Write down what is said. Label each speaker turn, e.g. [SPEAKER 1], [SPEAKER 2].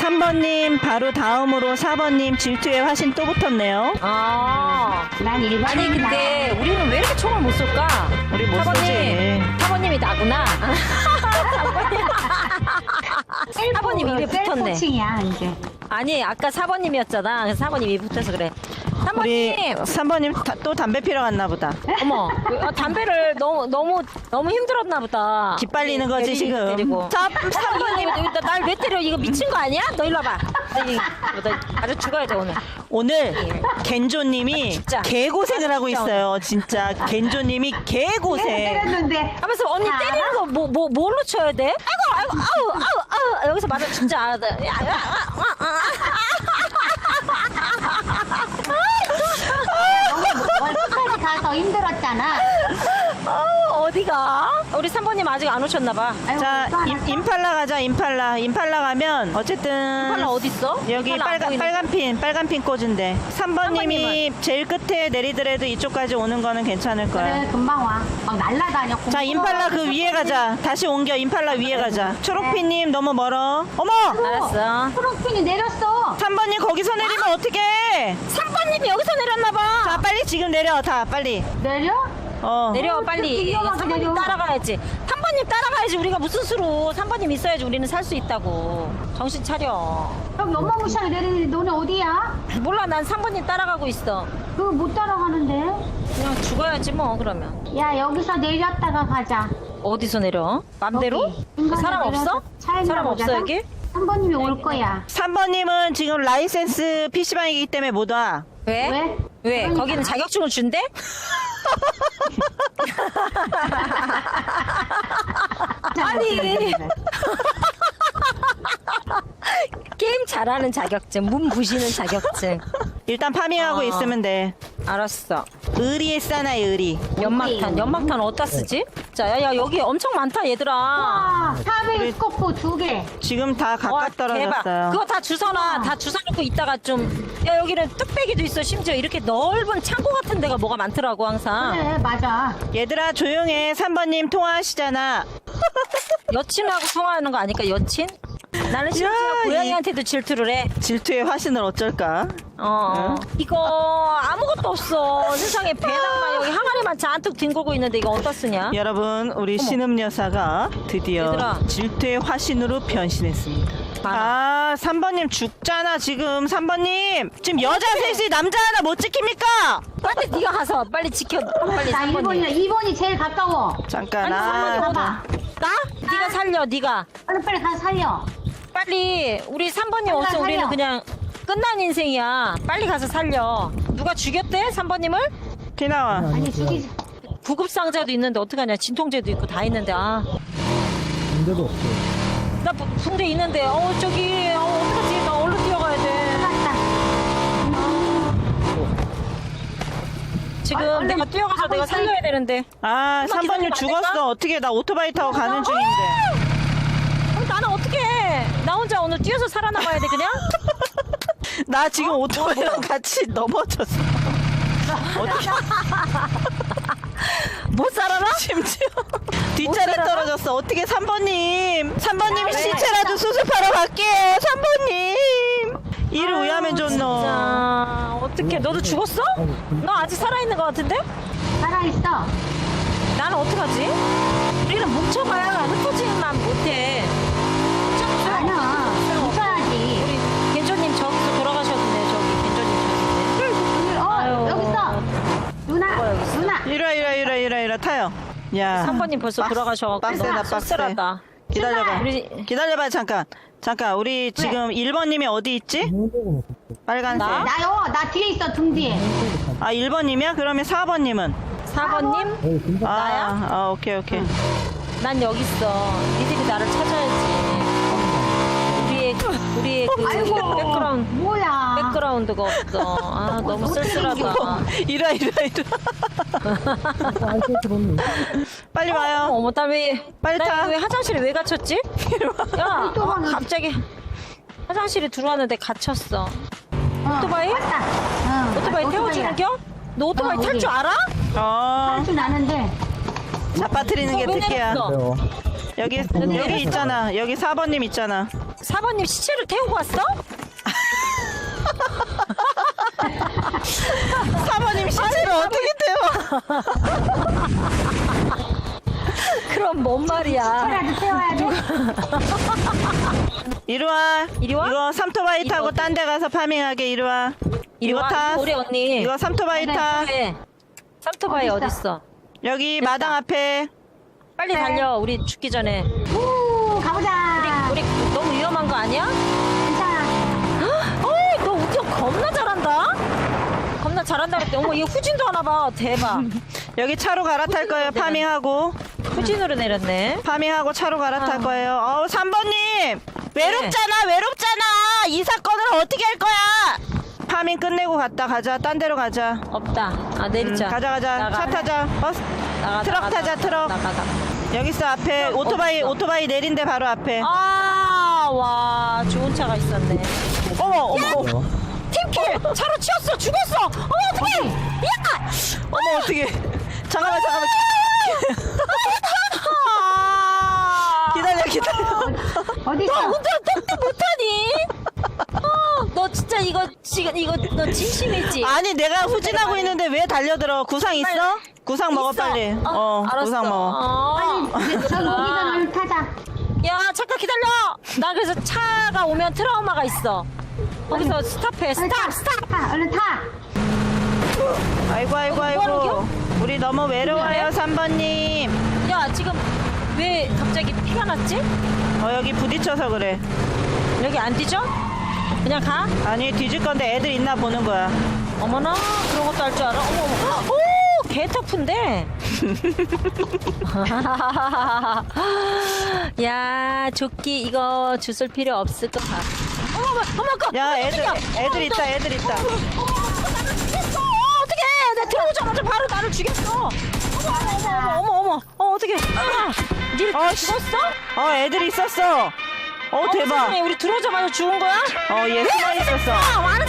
[SPEAKER 1] 3번님 바로 다음으로 4번님 질투의 화신 또 붙었네요.
[SPEAKER 2] 아,
[SPEAKER 3] 난 1번.
[SPEAKER 2] 아니 근데 우리는 왜 이렇게 총을 못 쏠까?
[SPEAKER 1] 우리 못 쏘지.
[SPEAKER 2] 사번님이 나구나. 사번님 입에 붙었네.
[SPEAKER 3] 셀포칭이야 이제.
[SPEAKER 2] 아니 아까 4번님이었잖아. 그래서 4번님 입에 붙어서 그래.
[SPEAKER 1] 우리
[SPEAKER 2] 3번님.
[SPEAKER 1] 3번님 또 담배 피러 갔나 보다.
[SPEAKER 2] 어머, 담배를 너무 힘들었나 보다.
[SPEAKER 1] 기빨리는 거지 지금.
[SPEAKER 2] 때리고.
[SPEAKER 1] 자,
[SPEAKER 2] 3번님 날 왜 때려? 이거 미친 거 아니야? 너 일로 와봐. 너 아주 죽어야 돼 오늘.
[SPEAKER 1] 오늘 겐조님이
[SPEAKER 2] 진짜.
[SPEAKER 1] 개고생을 하고
[SPEAKER 2] 진짜
[SPEAKER 1] 있어요. 진짜 겐조님이 개고생.
[SPEAKER 3] 때렸는데.
[SPEAKER 2] 하면서 언니
[SPEAKER 3] 자,
[SPEAKER 2] 때리는 거 뭘로 쳐야 돼? 아이고 아우 여기서 맞아 진짜.
[SPEAKER 3] 월급까지 가서 힘들었잖아.
[SPEAKER 2] 어디가? 우리 3번님 아직 안 오셨나 봐.
[SPEAKER 3] 아이고,
[SPEAKER 1] 자,
[SPEAKER 3] 또 하나
[SPEAKER 1] 임팔라 가자. 임팔라 가면 어쨌든
[SPEAKER 2] 팔라 어디 있어?
[SPEAKER 1] 여기
[SPEAKER 2] 팔라 안 보이는데.
[SPEAKER 1] 빨간 핀 꽂은데 3번님이 제일 끝에 내리더라도 이쪽까지 오는 거는 괜찮을 거야.
[SPEAKER 3] 그래 금방 와. 막 날라다녀.
[SPEAKER 1] 자, 임팔라 그 위에 가자. 다시 옮겨. 임팔라 위에 가자. 초록핀님 너무 멀어. 어머!
[SPEAKER 2] 알았어.
[SPEAKER 3] 프로핀이 내렸어.
[SPEAKER 1] 3번님 거기서 내리면 어떡해?
[SPEAKER 2] 3번님이 여기서 내렸나 봐.
[SPEAKER 1] 자, 빨리 지금 내려. 다 빨리.
[SPEAKER 3] 내려?
[SPEAKER 2] 내려
[SPEAKER 3] 그렇게
[SPEAKER 2] 빨리.
[SPEAKER 3] 위험하게
[SPEAKER 2] 3번님
[SPEAKER 3] 내려.
[SPEAKER 2] 따라가야지. 3번님 따라가야지. 우리가 무슨 수로 3번님 있어야지 우리는 살 수 있다고. 정신 차려.
[SPEAKER 3] 여기 어마무시하게 내리는데 너네 어디야?
[SPEAKER 2] 몰라 난 3번님 따라가고 있어.
[SPEAKER 3] 그거 못 따라가는데.
[SPEAKER 2] 그냥 죽어야지 뭐 그러면.
[SPEAKER 3] 야 여기서 내렸다가 가자.
[SPEAKER 2] 어디서 내려? 맘대로?
[SPEAKER 3] 여기. 중간에
[SPEAKER 2] 사람 없어?
[SPEAKER 3] 내려서 차에
[SPEAKER 2] 사람 없어
[SPEAKER 3] 내려가잖아?
[SPEAKER 2] 여기?
[SPEAKER 3] 3번님이 올 거야.
[SPEAKER 1] 3번님은 지금 라이센스 PC방이기 때문에 못 와.
[SPEAKER 2] 왜?
[SPEAKER 3] 왜?
[SPEAKER 2] 왜?
[SPEAKER 3] 그러니까.
[SPEAKER 2] 거기는 자격증을 준대? 아니. 게임 잘하는 자격증, 문 부시는 자격증.
[SPEAKER 1] 일단 파밍하고 있으면 돼.
[SPEAKER 2] 알았어.
[SPEAKER 1] 의리에 싸나이 의리.
[SPEAKER 2] 연막탄 어디다 쓰지? 자, 야, 여기 엄청 많다, 얘들아.
[SPEAKER 3] 와, 사베이 스코프 2개.
[SPEAKER 1] 지금 다
[SPEAKER 2] 와,
[SPEAKER 1] 각각 떨어졌어요.
[SPEAKER 2] 그거 다 주워놔. 다 주워놓고 있다가 좀. 야, 여기는 뚝배기도 있어. 심지어 이렇게 넓은 창고 같은 데가 뭐가 많더라고, 항상.
[SPEAKER 3] 그래, 맞아.
[SPEAKER 1] 얘들아 조용해. 3번님 통화하시잖아.
[SPEAKER 2] 여친하고 통화하는 거 아닐까, 여친? 나는 심지어
[SPEAKER 1] 야,
[SPEAKER 2] 고양이한테도 질투를 해.
[SPEAKER 1] 질투의 화신을 어쩔까?
[SPEAKER 2] 이거 아무것도 없어. 세상에 배낭만 여기 항아리만 잔뜩 뒹굴고 있는데 이거 어디다 쓰냐?
[SPEAKER 1] 여러분 우리 신음 여사가 드디어
[SPEAKER 2] 얘들아.
[SPEAKER 1] 질투의 화신으로 변신했습니다.
[SPEAKER 2] 많아.
[SPEAKER 1] 3번님 죽잖아 지금. 3번님 지금 여자 셋이 남자 하나 못 지킵니까?
[SPEAKER 2] 빨리 네가 가서 빨리 지켜. 빨리
[SPEAKER 3] 자,
[SPEAKER 2] 3번님.
[SPEAKER 3] 2번이 제일 가까워.
[SPEAKER 1] 잠깐.
[SPEAKER 2] 아니 3번님
[SPEAKER 3] 봐봐.
[SPEAKER 2] 나? 네가 살려 네가.
[SPEAKER 3] 빨리 가서 살려.
[SPEAKER 2] 빨리 우리 3번님 없어.
[SPEAKER 3] 살려.
[SPEAKER 2] 우리는 그냥 끝난 인생이야. 빨리 가서 살려. 누가 죽였대? 3번님을?
[SPEAKER 1] 기나와.
[SPEAKER 3] 아니, 죽이지.
[SPEAKER 2] 구급상자도 있는데 어떡하냐. 진통제도 있고 다 있는데
[SPEAKER 4] 문제도 없어요.
[SPEAKER 2] 나 붕대 있는데 저기 어떡하지. 나 얼른 뛰어가야 돼.
[SPEAKER 3] 맞다.
[SPEAKER 2] 지금
[SPEAKER 3] 얼른
[SPEAKER 2] 내가 뛰어가서
[SPEAKER 3] 가고
[SPEAKER 2] 내가
[SPEAKER 3] 있어.
[SPEAKER 2] 살려야 되는데.
[SPEAKER 1] 3번님
[SPEAKER 2] 기다리면 안
[SPEAKER 1] 죽었어.
[SPEAKER 2] 될까?
[SPEAKER 1] 어떻게 나 오토바이 타고 가는 중인데.
[SPEAKER 2] 나는 어떻게 나 혼자 오늘 뛰어서 살아남아야 돼 그냥?
[SPEAKER 1] 나 지금 오토바이랑 같이 넘어졌어.
[SPEAKER 2] 못 살아나?
[SPEAKER 1] 심지어 뒷자리
[SPEAKER 2] 살아나?
[SPEAKER 1] 떨어졌어. 어떻게 3번님
[SPEAKER 2] 왜?
[SPEAKER 1] 시체라도 수습하러 갈게요. 3번님 이를 의하면 좋노.
[SPEAKER 2] 자, 어떻게 너도 죽었어? 너 아직 살아있는 것 같은데?
[SPEAKER 3] 살아있어.
[SPEAKER 2] 나는 어떡하지? 우리는 뭉쳐봐야 흩어지만 못해.
[SPEAKER 3] 아니야. 있어야지.
[SPEAKER 2] 우리 겐조님 저기서 돌아가셨네. 저기 겐조님 아유.
[SPEAKER 3] 여기 있어. 누나,
[SPEAKER 2] 여기 있어.
[SPEAKER 3] 누나.
[SPEAKER 1] 이리 타요. 야.
[SPEAKER 2] 3번님 벌써 돌아가셔갖고
[SPEAKER 1] 빡세다,
[SPEAKER 2] 너무
[SPEAKER 1] 빡세.
[SPEAKER 2] 씁쓸하다.
[SPEAKER 1] 기다려봐.
[SPEAKER 2] 우리
[SPEAKER 1] 기다려봐 잠깐. 우리 지금 1번님이 어디 있지? 빨간색.
[SPEAKER 2] 나?
[SPEAKER 3] 나 뒤에 있어, 등 뒤에.
[SPEAKER 1] 1번님이야? 그러면 4번님은?
[SPEAKER 2] 4번님? 나야?
[SPEAKER 1] 오케이.
[SPEAKER 2] 난 여기 있어. 니들이 나를 찾아야지. 우리의 그
[SPEAKER 3] 아이고. 뭐야.
[SPEAKER 2] 백그라운드가 없어. 너무 쓸쓸하다.
[SPEAKER 1] 이리 와. 빨리 와요.
[SPEAKER 2] 어머,
[SPEAKER 1] 빨리 타.
[SPEAKER 2] 나 왜 화장실에 왜 갇혔지? 야,
[SPEAKER 3] 또 가는-
[SPEAKER 2] 갑자기 화장실에 들어왔는데 갇혔어. 오토바이?
[SPEAKER 3] 맞다. 응,
[SPEAKER 2] 오토바이 태워주는 겨? 너 오토바이 탈 줄 알아?
[SPEAKER 3] 할줄 아는데.
[SPEAKER 1] 자빠트리는 게
[SPEAKER 2] 왜
[SPEAKER 1] 특기야.
[SPEAKER 2] 내렸어?
[SPEAKER 1] 여기 있잖아. 여기 4번님 있잖아.
[SPEAKER 2] 4번님 시체를 태우고 왔어?
[SPEAKER 1] 4번님 시체를 어떻게 태워?
[SPEAKER 2] 그럼 뭔 말이야?
[SPEAKER 3] 차라도 태워야 돼.
[SPEAKER 1] 이리 와.
[SPEAKER 2] 이리 와?
[SPEAKER 1] 이거 삼토바이
[SPEAKER 2] 이리
[SPEAKER 1] 타고
[SPEAKER 2] 와.
[SPEAKER 1] 딴 데 가서 파밍하게. 이리 와.
[SPEAKER 2] 이리
[SPEAKER 1] 이거
[SPEAKER 2] 와.
[SPEAKER 1] 타.
[SPEAKER 2] 우리 언니.
[SPEAKER 1] 이거 삼토바이 타.
[SPEAKER 2] 네. 삼토바이
[SPEAKER 3] 어딨어?
[SPEAKER 2] 어딨어?
[SPEAKER 1] 여기
[SPEAKER 2] 됐다.
[SPEAKER 1] 마당 앞에.
[SPEAKER 2] 빨리
[SPEAKER 3] 네.
[SPEAKER 2] 달려. 우리 죽기 전에.
[SPEAKER 3] 우, 가보자.
[SPEAKER 2] 우리 너무 위험한 거 아니야?
[SPEAKER 3] 괜찮아.
[SPEAKER 2] 어이, 너 운전 겁나 잘한다. 겁나 잘한다 그랬대. 어머, 얘 후진도 하나 봐. 대박.
[SPEAKER 1] 여기 차로 갈아탈 거예요. 파밍하고.
[SPEAKER 2] 후진으로 내렸네.
[SPEAKER 1] 파밍하고 차로 갈아탈
[SPEAKER 2] 아.
[SPEAKER 1] 거예요. 3번님! 외롭잖아, 외롭잖아! 이 사건을 어떻게 할 거야! 파밍 끝내고 갔다 가자. 딴 데로 가자.
[SPEAKER 2] 없다. 아, 내리자.
[SPEAKER 1] 가자.
[SPEAKER 2] 나가.
[SPEAKER 1] 차 타자. 트럭 타자, 트럭.
[SPEAKER 2] 나가.
[SPEAKER 1] 여기 있어, 앞에.
[SPEAKER 2] 트럭
[SPEAKER 1] 오토바이,
[SPEAKER 2] 어딨어?
[SPEAKER 1] 오토바이 내린 데 바로 앞에.
[SPEAKER 2] 아, 와, 좋은 차가 있었네.
[SPEAKER 1] 어머.
[SPEAKER 2] 팀킬! 차로 치였어! 죽었어! 어머, 어떡해! 야!
[SPEAKER 1] 어머, 어떡해. 잠깐만. 기다려.
[SPEAKER 3] 어디
[SPEAKER 2] 너
[SPEAKER 3] 있어?
[SPEAKER 2] 운전 똑똑 못하니? 너 진짜 이거 지금 이거 너 진심이지?
[SPEAKER 1] 아니, 내가 후진하고 있는데 왜 달려들어? 구상 있어? 구상 먹어,
[SPEAKER 2] 있어.
[SPEAKER 1] 빨리.
[SPEAKER 2] 알았어.
[SPEAKER 1] 구상 먹어.
[SPEAKER 3] 빨리 저기 오기 전에 얼른 타자.
[SPEAKER 2] 야, 잠깐 기다려. 나 그래서 차가 오면 트라우마가 있어. 거기서 스탑해.
[SPEAKER 3] 얼른 타.
[SPEAKER 2] 스탑.
[SPEAKER 3] 타. 얼른 타.
[SPEAKER 1] 아이고.
[SPEAKER 2] 뭐하는겨?
[SPEAKER 1] 우리 너무 외로워요, 3번님.
[SPEAKER 2] 야, 지금 왜 갑자기 피가 났지?
[SPEAKER 1] 여기 부딪혀서 그래.
[SPEAKER 2] 여기 안 뒤져? 그냥 가?
[SPEAKER 1] 아니, 뒤질 건데 애들 있나 보는 거야.
[SPEAKER 2] 어머나, 그런 것도 할 줄 알아? 어머. 오, 개 터프인데. 야, 조끼 이거 주술 필요 없을 것 같아. 어머,
[SPEAKER 1] 야, 애들 있다.
[SPEAKER 2] 어떡해! 내 들어오자마자 바로 나를 죽였어! 어머, 어떡해! 니를 죽었어?
[SPEAKER 1] 애들 있었어. 대박.
[SPEAKER 2] 세상에, 우리 들어오자마자 죽은 거야?
[SPEAKER 1] 얘 숨어 있었어.
[SPEAKER 2] 완